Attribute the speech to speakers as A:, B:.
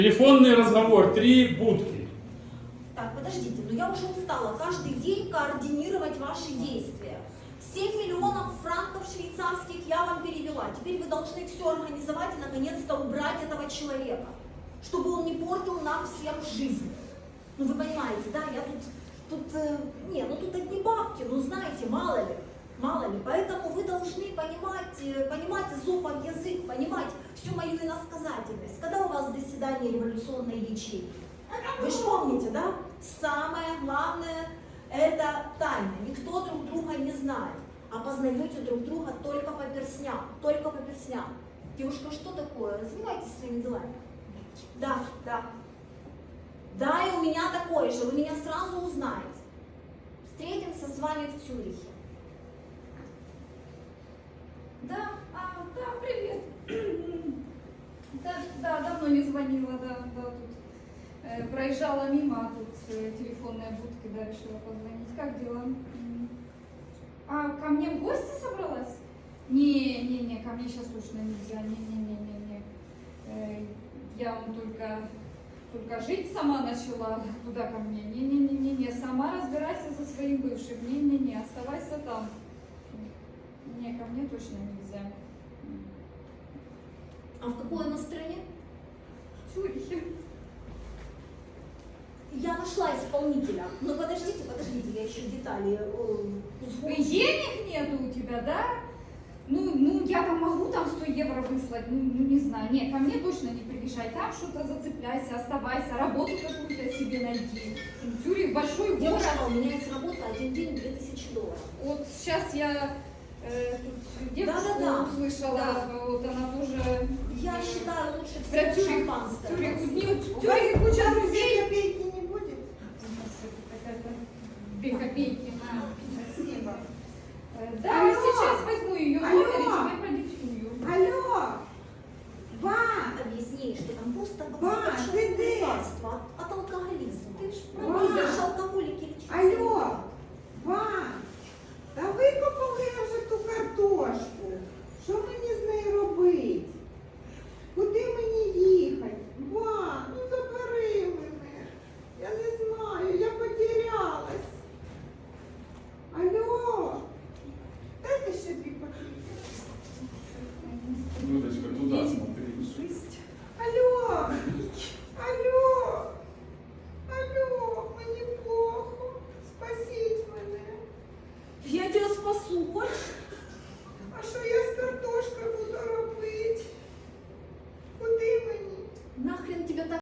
A: Телефонный разговор, 3 будки.
B: Так, подождите, но я уже устала каждый день координировать ваши действия. 7 миллионов франков швейцарских я вам перевела. Теперь вы должны все организовать и наконец-то убрать этого человека, чтобы он не портил нам всем жизнь. Ну вы понимаете, да, я тут одни бабки, ну знаете, мало ли. Поэтому вы должны понимать изопов язык, понимать всю мою иносказательность. Когда у вас заседание революционной ячейки? Вы же помните, да? Самое главное – это тайна. Никто друг друга не знает. А познаете друг друга только по перстням. Девушка, что такое? Развивайтесь своими делами. Да. Да, и у меня такое же. Вы меня сразу узнаете. Встретимся с вами в Цюрихе.
C: Да, привет. Да, давно не звонила, тут проезжала мимо, а тут телефонная будка, да, решила позвонить. Как дела? А ко мне в гости собралась? Не, ко мне сейчас точно нельзя, не. Я вам только жить сама начала, куда ко мне? Не, сама разбирайся со своим бывшим, не, оставайся там. Не, ко мне точно нельзя.
B: А в какой она стране?
C: В Цюрихе.
B: Я нашла исполнителя. Но подождите, я еще детали узгоджу.
C: Денег нету у тебя, да? Ну, я там могу там 100 евро выслать, не знаю. Не, ко мне точно не приезжай. Там что-то зацепляйся, оставайся, работу какую-то себе найди. Цюрих большой город.
B: Девушка, у меня есть работа, один день $2000.
C: Вот сейчас я тут девушку услышала,
B: Да.
C: вот она тоже...
B: Я считаю, лучше
C: Про
B: всего
C: Цюрих,
B: шампанское.
C: в Цюрихе куча друзей.
D: Копейки не будет?
C: Две копейки.
D: Спасибо.
C: Да,
D: Алло.
C: сейчас возьму ее номер и
D: Алло.
C: тебе продиктую.
D: Алло! Ба!
B: Объясни, что там просто
D: Ба, ты де?